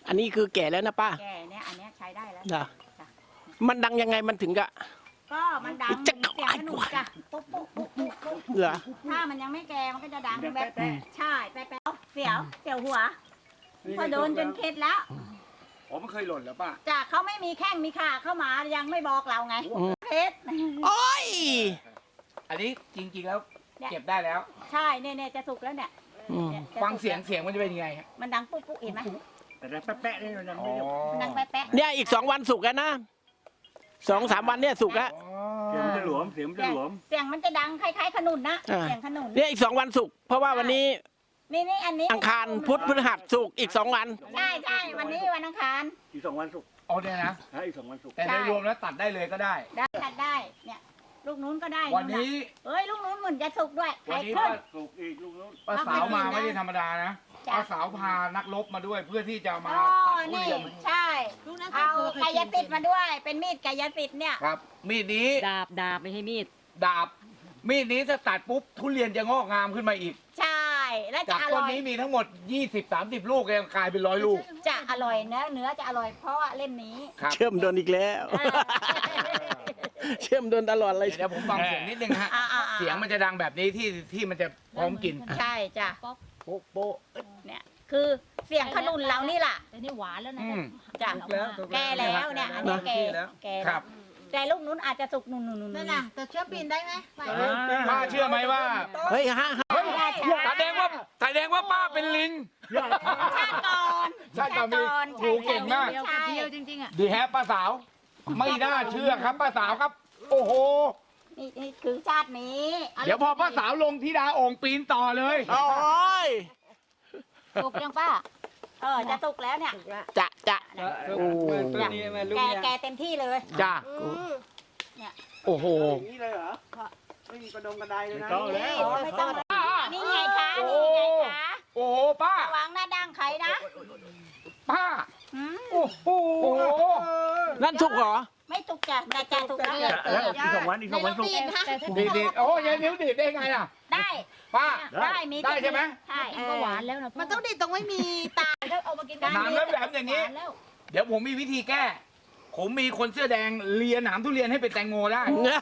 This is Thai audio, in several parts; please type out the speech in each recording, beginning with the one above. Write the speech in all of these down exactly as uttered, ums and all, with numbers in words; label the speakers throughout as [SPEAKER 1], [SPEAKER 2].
[SPEAKER 1] อันนี้คือแก่แล้วนะป้า
[SPEAKER 2] แก่เนี่ยอันเนี้ยใช้ได้แล้ว
[SPEAKER 1] นะมันดังยังไงมันถึงกะ
[SPEAKER 2] ก็มันดังเสียงขนุนจ้ะปุ๊บปุ๊บปุ๊บปุ๊บปุ๊บ
[SPEAKER 1] เหรอ
[SPEAKER 2] ถ้ามันยังไม่แก่มันก็จะดังแบบใช่แป๊ะๆเสียวเสียวหัวพอโดนจนเข็ดแล้ว
[SPEAKER 3] อ๋อมันเคยหล่นแล้วป่ะ
[SPEAKER 2] จากเขาไม่มีแข้งมีขาเข้ามายังไม่บอกเราไงเพชร
[SPEAKER 1] โอ้ย
[SPEAKER 3] อันนี้จริงๆแล้วเก็บได้แล้ว
[SPEAKER 2] ใช่เนี่ยเนี่ยจะสุกแล้วเนี่ย
[SPEAKER 3] ฟังเสียงเสียงมันจะเป็นยังไงฮะ
[SPEAKER 2] มันดังปุ๊บปุ๊บเห็นไหม
[SPEAKER 3] แต่แป๊ะๆนี่มันดังไม่
[SPEAKER 2] มันดังแป๊ะ
[SPEAKER 1] ๆเนี่ยอีกสองวันสุกแล้วนะสองสามวันเนี่ยสุกแล้ว
[SPEAKER 3] เสียงมันจะหลวมเสียงมันจะหลวม
[SPEAKER 2] เสียงมันจะดังคล้ายๆขนุนนะเสียงขนุน
[SPEAKER 1] เนี่ยอีกสองวันสุกเพราะว่าวันนี้
[SPEAKER 2] นี่นี่อันนี้
[SPEAKER 1] อังคารพุธพฤหัสสุกอีกสองวัน
[SPEAKER 2] ใช่ใช่วันนี้วันอังคาร
[SPEAKER 3] อีกสองวันสุกอ๋อเนี่ยนะอีกสองวันสุกแต่โดยรวมแล้วตัดได้เลยก็ได้
[SPEAKER 2] ได้ตัดได้เนี่ยลูกนู้นก็ได้
[SPEAKER 3] วันนี้
[SPEAKER 2] เอ้ยลูกนู้นเหมือนจะสุกด้วย
[SPEAKER 3] วันนี้ป้าสุกอีกลูกนู้นป้าสาวมาไม่ได้ธรรมดานะป้าสาวพานักรบมาด้วยเพื่อที่จะมาตัดทุเรียน
[SPEAKER 2] ใช่เอากายสิทธิ์มาด้วยเป็นมีดกายสิทธิ์เนี่ย
[SPEAKER 3] ครับมีดนี้
[SPEAKER 4] ดาบดาบไม่ใช่มีด
[SPEAKER 3] ดาบมีดนี้ถ้าตัดปุ๊บทุเรียนจะงอกงามขึ้นมาอีก
[SPEAKER 2] ใช่และจะ
[SPEAKER 3] อร่อยจากต้นนี้มีทั้งหมด ยี่สิบ สามสิบ ลูกเองกลายเป็นร้อยลูก
[SPEAKER 2] จะอร่อยเนื้อเนื้อจะอร่อยเพราะว่าเล่มนี้
[SPEAKER 1] เชื่อมโดนอีกแล้วเชื่อมโดนตลอดเลย
[SPEAKER 3] เดี๋ยวผมฟังเสียงนิดนึงฮะเสียงมันจะดังแบบนี้ที่ที่มันจะพร้อมกิน
[SPEAKER 2] ใช่จ้ะ
[SPEAKER 3] โป๊ะโป๊ะ
[SPEAKER 2] เนี่ยคือเสียงขนุนเรานี่แหละ
[SPEAKER 4] แต่นี่หวานแล้วนะ
[SPEAKER 2] จ้ะแก่แล้วเนี่ยอันนี้แก่แก่
[SPEAKER 3] ครับ
[SPEAKER 2] แต่ลูกนู้นอาจจะสุกนุ่น
[SPEAKER 5] ๆนั่นน่ะแต่เชื่อปีนได้ไหม
[SPEAKER 3] ป้าเชื่อไหมว่า
[SPEAKER 1] เฮ้ยฮะ
[SPEAKER 3] แสดงว่าแสดงว่าป้าเป็นลิง
[SPEAKER 2] ชาติก่อน
[SPEAKER 3] ชาติก่อนโอ้เก่งมาก
[SPEAKER 4] เดียวจริงๆอ่ะ
[SPEAKER 3] ดีแฮปป้าสาวไม่น่าเชื่อครับป้าสาวครับโอ้โห
[SPEAKER 2] นี่นี่คือชาตินี้
[SPEAKER 3] เดี๋ยวพอป้าสาวลงที่ดาโอ่งปีนต่อเลย
[SPEAKER 1] โอ้ย
[SPEAKER 2] สุกยังป้าเออจะสุกแล้วเนี่ย
[SPEAKER 1] จะจะ
[SPEAKER 3] โอ้
[SPEAKER 2] แกแกเต็มที่เลย
[SPEAKER 3] จ้า
[SPEAKER 2] เนี่ย
[SPEAKER 3] โอ้โห
[SPEAKER 1] นี่เลยเหรอไม่มีกระดงกระไดเลยนะ
[SPEAKER 2] ไม่ต้องนี่ไงคะนี่ไงคะ
[SPEAKER 3] โอ้โหป้า
[SPEAKER 2] ระวังหน้าดั้งใครนะ
[SPEAKER 3] ป้าโอ้โห
[SPEAKER 1] นั่นสุกเหรอ
[SPEAKER 2] ไม่สุกจ้ะแต่จะสุกแล้ว
[SPEAKER 3] แล้วอีกสองวันอีกสองวันสุกดีดีโอ้ยนิ้วดีดได้ไงล่ะ
[SPEAKER 2] ได้
[SPEAKER 3] ป้า
[SPEAKER 2] ได้มี
[SPEAKER 3] ได้ใช่ไหม
[SPEAKER 2] ใช่
[SPEAKER 4] ก็หวานแล้วนะ
[SPEAKER 5] มันต้องดีตรงไม่มีตา
[SPEAKER 2] แล้วเอามากินกัน
[SPEAKER 3] น้ำแล้วแบบอย่างนี้เดี๋ยวผมมีวิธีแก้ผมมีคนเสื้อแดงเลียหนามทุเรียนให้เป็นแตงโมได้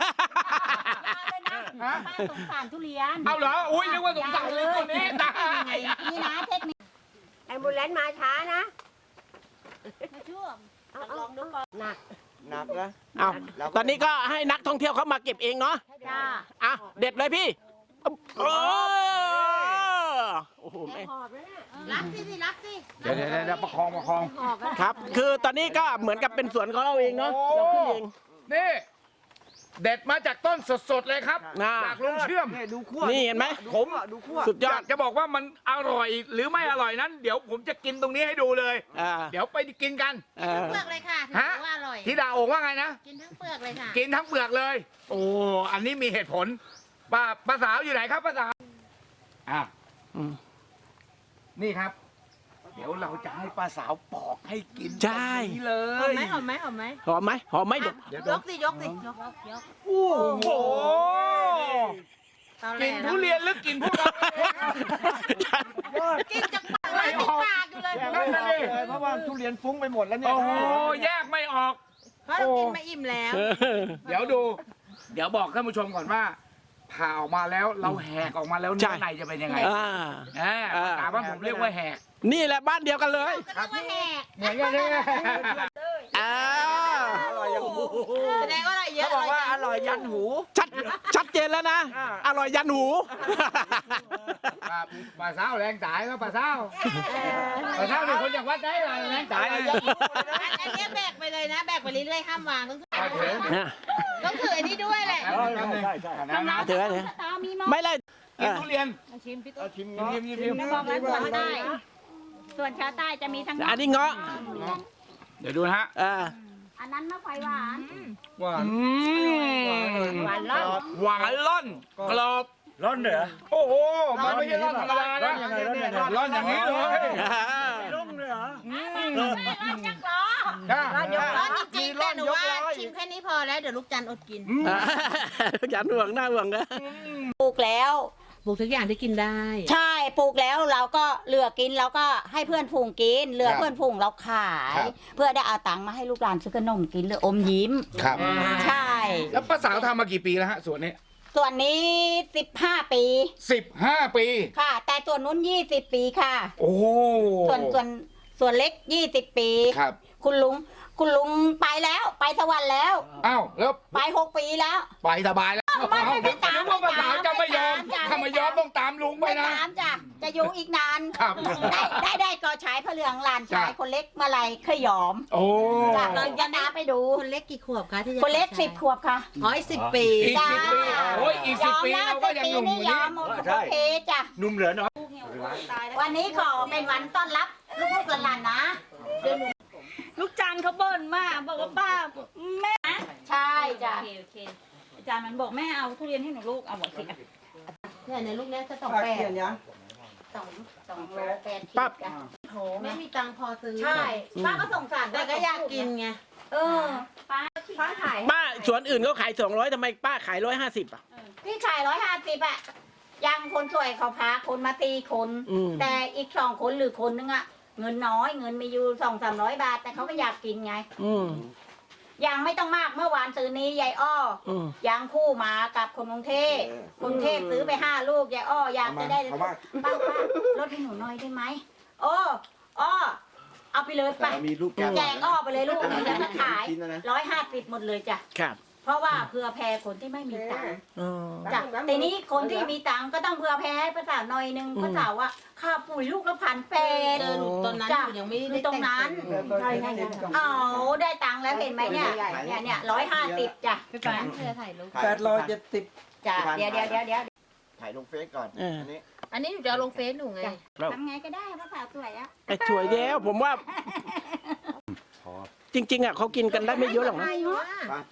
[SPEAKER 2] ป้าสงสารทุเรียน
[SPEAKER 3] เอาเหรออุ้ยนึกว่าสงสารเลยคนนี้ตาย
[SPEAKER 2] นี่นะเทคนิค
[SPEAKER 5] ไอ้บุญเล่นมาช้านะ
[SPEAKER 2] มาช่วงลองดูก่อน
[SPEAKER 5] หนัก
[SPEAKER 1] หนักนะเอาตอนนี้ก็ให้นักท่องเที่ยวเขามาเก็บเองเนาะ
[SPEAKER 2] จ้า
[SPEAKER 1] อ่ะเด็ดเลยพี่โอ้โหแม่
[SPEAKER 5] รักสิสิรักสิ
[SPEAKER 3] เดี๋ยวเดี๋ยวเดี๋ยวประคองประคอง
[SPEAKER 1] ครับคือตอนนี้ก็เหมือนกับเป็นสวนของเราเองเนาะเราขึ้นเอง
[SPEAKER 3] นี่เด็ดมาจากต้นสดๆเลยครับจากลุงเชื่อม
[SPEAKER 1] นี่เห็นไหม
[SPEAKER 3] ผมสุดยอดจะบอกว่ามันอร่อยหรือไม่อร่อยนั้นเดี๋ยวผมจะกินตรงนี้ให้ดูเลยเดี๋ยวไปกินกัน
[SPEAKER 5] ทั้งเปลือกเลยค่ะถือว่าอร่อย
[SPEAKER 3] ที่ดาโอ่งว่าไงนะ
[SPEAKER 5] กินทั้งเปลือกเลยค่ะ
[SPEAKER 3] กินทั้งเปลือกเลยโอ้อันนี้มีเหตุผลป้าป้าสาวอยู่ไหนครับป้าสาวอ่ะนี่ครับเดี๋ยวเราจะให้ป้าสาวปอกให้กิน
[SPEAKER 1] ใช่
[SPEAKER 3] เลย
[SPEAKER 5] หอมไหมหอมไหม
[SPEAKER 1] หอมไหมหอมไหม
[SPEAKER 5] เดี๋ยวยกสิยกสิยกยก
[SPEAKER 3] โอ้โหกินทุเรียนหรือกินพวกเรา
[SPEAKER 5] กินจากปากเลยติดปากอยู่เลย
[SPEAKER 3] เพราะว่าทุเรียนฟุ้งไปหมดแล้วเนี่ยโอ้โหแยกไม่ออก
[SPEAKER 5] เพราะเรากินมาอิ่มแล้ว
[SPEAKER 3] เดี๋ยวดู เดี๋ยวบอกท่านผู้ชมก่อนว่าผ่าออกมาแล้วเราแหกออกมาแล้วเนื้อในจะเป็นยังไงอ่าภาษาบ้านผมเรียกว่าแหก
[SPEAKER 1] นี่แหละบ้านเดียวกันเลย
[SPEAKER 5] ก็เรียกว่าแหก
[SPEAKER 3] เหมือนกันเลย
[SPEAKER 1] อ้า
[SPEAKER 5] อร่อยยันหูแสดงว่าอะไรเยอะ
[SPEAKER 1] เขาบอกว่าอร่อยยันหูชัดชัดเจนแล้วนะอร่อยยันหู
[SPEAKER 3] ปลาเศร้าแรงตายก็ปลาเศร้าปลาเศร้าเป็นคนจากวัดได้เลยแรงตาย
[SPEAKER 5] อันนี้แบกไปเลยนะแบกไปเรื่อยๆห้ามวางต้องถือต้องถืออันนี้ด้วยแหละ
[SPEAKER 1] ถือถือไม่เลย
[SPEAKER 3] กินทุเรียน
[SPEAKER 2] ชิมพี่ตุ๊ก
[SPEAKER 3] ชิมชิมชิมชิม
[SPEAKER 2] บอกแล้วส่วนใต้ส่วนชาวใต้จะมีทั้ง
[SPEAKER 1] อันนี้เงาะ
[SPEAKER 3] เดี๋ยวดูนะฮะ
[SPEAKER 2] อันนั้นมะไฟหวาน
[SPEAKER 3] หวาน
[SPEAKER 2] หวานล่อน
[SPEAKER 3] หวานล่อนกรอบ
[SPEAKER 1] ล่อนเหรอ
[SPEAKER 3] โอ้โหมันไม่ใช่ล่อนธรรมดานะล่อนอย่างนี้เลย
[SPEAKER 1] ล่อนเลยเหรอ
[SPEAKER 2] ล่อนยักษ์ล้อ
[SPEAKER 5] ล่อนจริงๆแต่หนูว่าชิมแค่นี้พอแล้วเดี๋ยวลูกจันอดกิน
[SPEAKER 1] ลูกจันห่วงหน้าห่วงนะ
[SPEAKER 2] ปลูกแล้ว
[SPEAKER 5] ปลูกทุกอย่างที่กินได้
[SPEAKER 2] ใช่ปลูกแล้วเราก็เหลือกินเราก็ให้เพื่อนฝูงกินเหลือ
[SPEAKER 3] ครับ
[SPEAKER 2] เพื่อนฝูงเราขาย
[SPEAKER 3] ครับ
[SPEAKER 2] เพื่อได้เอาตังค์มาให้ลูกหลานซื้อขนมกินหรืออมยิ้ม
[SPEAKER 3] ครับ
[SPEAKER 2] ใช่
[SPEAKER 3] แล้วป้าสาวทำมากี่ปีแล้วฮะส่วนนี้
[SPEAKER 2] ส่วนนี้สิบห้าปี
[SPEAKER 3] สิบห้าปี
[SPEAKER 2] ค่ะ แต่ส่วนนู้นยี่สิบปีค่ะ
[SPEAKER 3] โอ้
[SPEAKER 2] ส่วนส่วนส่วนเล็กยี่สิบปี
[SPEAKER 3] ครับ
[SPEAKER 2] คุณลุงคุณลุงไปแล้วไปสวรรค์แล้ว
[SPEAKER 3] อ้าวแล้ว
[SPEAKER 2] ไปหกปีแล้ว
[SPEAKER 3] ไปสบายแล้ว
[SPEAKER 2] ไม่ไม่ไม่ตาม
[SPEAKER 3] นึกว่าป้าสาวจะไม่ยอม
[SPEAKER 2] ไม่ตาม
[SPEAKER 3] ถ้าไม่ยอมต้องตามลุงไป
[SPEAKER 2] ไม่
[SPEAKER 3] นะ
[SPEAKER 2] ตามจ้ะจะอยู่อีกนาน
[SPEAKER 3] ครับ
[SPEAKER 2] ได้ได้ได้ก็ใช้พระเหลืองหลานชาย
[SPEAKER 3] จ้ะ
[SPEAKER 2] คนเล็กเมื่อไหรเคยยอม
[SPEAKER 3] โอ้
[SPEAKER 2] จ้ะเราจะน้าไปดู
[SPEAKER 5] คนเล็กกี่ขวบคะที่จะ
[SPEAKER 2] คนเล็กสิบขวบค่ะ
[SPEAKER 5] อ๋ออีกสิบปี
[SPEAKER 3] อีกสิบปีโอ้ยอีกสิบปี
[SPEAKER 2] ยอ
[SPEAKER 3] เรา
[SPEAKER 2] ม
[SPEAKER 3] ก็
[SPEAKER 2] แล้ว
[SPEAKER 3] ยังหนุ่ม
[SPEAKER 2] สิบปี
[SPEAKER 3] อยู่
[SPEAKER 2] นี่ย
[SPEAKER 3] นี่
[SPEAKER 2] อมโอเคจ้ะ
[SPEAKER 3] หนุ่มเหลือน้อย
[SPEAKER 2] วันนี้ขอเป็นวันต้อนรับลูกๆหลานๆนะ
[SPEAKER 4] ลูกจันเขาบ่นมากบอกว่าป้าแม่
[SPEAKER 2] ใช่จ้ะ
[SPEAKER 4] โอเคโอเคอาจารย์มันบอกแม่เอาทุเรียนให้หนูลูกเอาบอกสิอ่ะ
[SPEAKER 5] เนี่ยในลูกเนี้ยจะต้อง
[SPEAKER 2] แป
[SPEAKER 5] แป
[SPEAKER 2] ด
[SPEAKER 5] ด
[SPEAKER 2] สองสองโลแปด
[SPEAKER 1] ปั๊บ
[SPEAKER 2] จ้ะโถ
[SPEAKER 5] ไม่
[SPEAKER 2] แม่
[SPEAKER 5] มีตังค์พอซื้อ
[SPEAKER 2] ใช่ป้าก็สงสาร
[SPEAKER 5] แต่ก็อยากกินไง
[SPEAKER 2] เออป้าป้าขาย
[SPEAKER 1] ป้าสวนอื่นเขาขายสองร้อยทำไมป้าขายร้อยห้าสิบอ่ะ
[SPEAKER 2] พี่ขายร้อยห้าสิบอะยังคนสวยเขาพาคนมาตีคน
[SPEAKER 1] อืม
[SPEAKER 2] แต่อีกสองคนหรือคนนึงอะเงินน้อยเงินมีอยู่สองสามร้อยบาท แต่เขาก็อยากกินไง
[SPEAKER 1] อืม
[SPEAKER 2] ยังไม่ต้องมากเมื่อวานซื้อนี้ยายอ้อ
[SPEAKER 1] อืม
[SPEAKER 2] ยังคู่มากับคนกรุงเทพกรุงเทพซื้อไปห้าลูกยายอ้ออยากจะได้ป้าป้าลดให้หนูหน่อยได้ไหมโอ้อ้อเอาไปเลยไป
[SPEAKER 6] มีลูกแก้ว
[SPEAKER 2] แจกอ้อไปเลยลูกหนูจะมาขาย
[SPEAKER 6] ชิ้นนะนะ
[SPEAKER 2] ร้อยห้าสิบหมดเลยจ้ะ
[SPEAKER 1] ครับ
[SPEAKER 2] เพราะว่าเผื่อแผ่คนที่ไม่มีตังค์
[SPEAKER 1] อ๋อ
[SPEAKER 2] จ้ะแต่นี้คนที่มีตังค์ก็ต้องเผื่อแพ้ให้ภาษาหน่อยนึง
[SPEAKER 1] อืม
[SPEAKER 2] ภาษาว่าค่าปุ๋ยลูกละพันแปด
[SPEAKER 5] เจอหนูตอนนั้น
[SPEAKER 2] จ้ะ
[SPEAKER 5] หนูยังไม่
[SPEAKER 2] คื
[SPEAKER 5] ได้
[SPEAKER 2] อตรงนั้น
[SPEAKER 5] ใช่ใช่ใช่
[SPEAKER 2] เอาได้ตังค์แล้วเห็นไหมเนี่ยเนี่ยเนี่ยร้อยห้าสิบจ้ะ
[SPEAKER 5] พี่ปานเธอถ่ายรูป
[SPEAKER 6] แปดร้อยเจ็ดสิบ
[SPEAKER 2] จ้ะเดี๋ยวเดี๋ยวเดี๋ยวเดี๋ยว
[SPEAKER 6] ถ่ายลงเฟซก่อน
[SPEAKER 1] เอออั
[SPEAKER 6] นนี้
[SPEAKER 5] อันนี้หนูจะเอาลงเฟซหนูไง
[SPEAKER 2] ทำไงก็ได้ภาษาสวยอะ
[SPEAKER 1] ไอ้สวยแล้วผมว่า จริง ๆอ่ะเขากินกันได้ไม่เยอะหรอกนะ
[SPEAKER 6] ไป